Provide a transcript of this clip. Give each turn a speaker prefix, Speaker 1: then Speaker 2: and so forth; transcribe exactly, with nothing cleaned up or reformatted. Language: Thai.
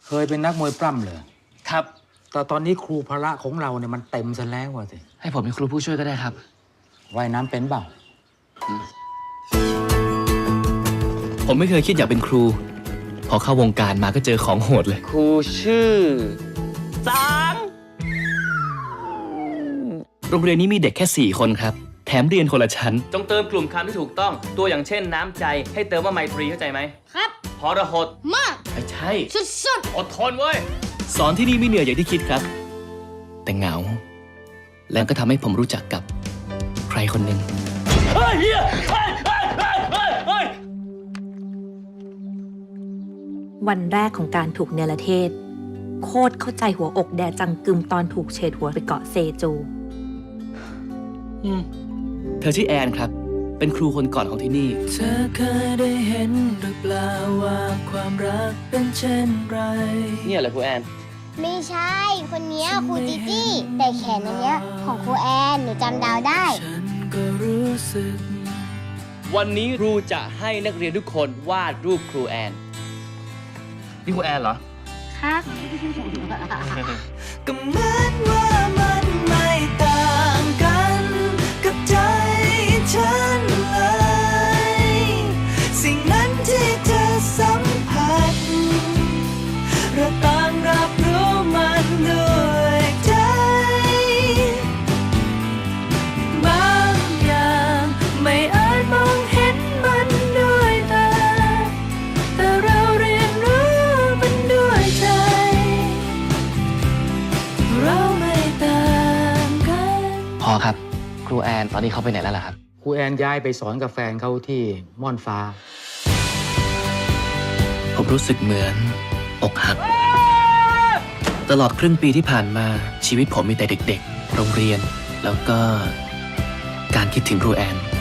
Speaker 1: เคยเป็นนักมวยปล้ำเลย
Speaker 2: ครับ
Speaker 1: แต่ตอนนี้ครูพละของเราเนี่ยมันเต็มซะแล้วว่ะสิ
Speaker 2: ให้ผมเป็นครูผู้ช่วยก็ได้ครับ
Speaker 1: ว่ายน้ำเป็นเปล่า
Speaker 2: ผมไม่เคยคิดอยากเป็นครู พอเข้าวงการมาก็เจอของโหดเลย ครูชื่อสางโรงเรียนนี้มีเด็กแค่สี่คนครับ แถมเรียนคนละชั้น จงเติมกลุ่มคำที่ถูกต้อง ตัวอย่างเช่นน้ำใจ ให้เติมว่าไมตรีเข้าใจไหม
Speaker 3: ครับ
Speaker 2: พรหด
Speaker 3: มาก
Speaker 2: ไม่ใช่
Speaker 3: สุด
Speaker 2: อดทนเว้ย สอนที่นี่ไม่เหนื่อยอย่างที่คิดครับ แต่เหงา แล้วก็ทำให้ผมรู้จักกับใครคนหนึ่งเฮ้ยเฮียเฮ้ยเฮ้ยเฮ้ยเฮ้ยเฮ้ย
Speaker 4: วันแรกของการถูกเนรเทศ โคตรเข้าใจหัวอกแดจังกึมตอนถูกเฉดหัวไปเกาะเซจู
Speaker 2: เธอชื่อแอนครับ เป็นครูคนก่อนของที่นี่
Speaker 5: เธอเคยได้เห็นหรือเปล่าว่าความรักเป็นเช่นไร
Speaker 2: เนี่ยเหรอครูแอน
Speaker 3: ๆไม่ใช่ คนเนี้ยครูจิจี้แต่แขนอันเนี้ยของครูแอนหนูจำดาวได้
Speaker 5: ฉันก็รู้สึก
Speaker 2: วันนี้ครูจะให้นักเรียนทุกคนวาดรูปครูแอน นี่ครูแอนเหรอ
Speaker 3: ครับ
Speaker 5: ก็เหมือนว่ามันไม่ต่างกันกับใจฉันเลย สิ่งนั้นที่เธอสัมผัสเราต่างรับรู้มันด้วยใจ บางอย่างไม่อาจมองเห็นมันด้วยตา แต่เราเรียนรู้มันด้วยใจ เราไม่ต่างกัน
Speaker 2: พอครับ ครูแอนตอนนี้เขาไปไหนแล้วล่ะครับ
Speaker 1: ครูแอนย้ายไปสอนกับแฟนเขาที่ม่อนฟ้า
Speaker 2: ผมรู้สึกเหมือนอกหัก ตลอดครึ่งปีที่ผ่านมาชีวิตผมมีแต่เด็กๆ โรงเรียน แล้วก็การคิดถึงครูแอน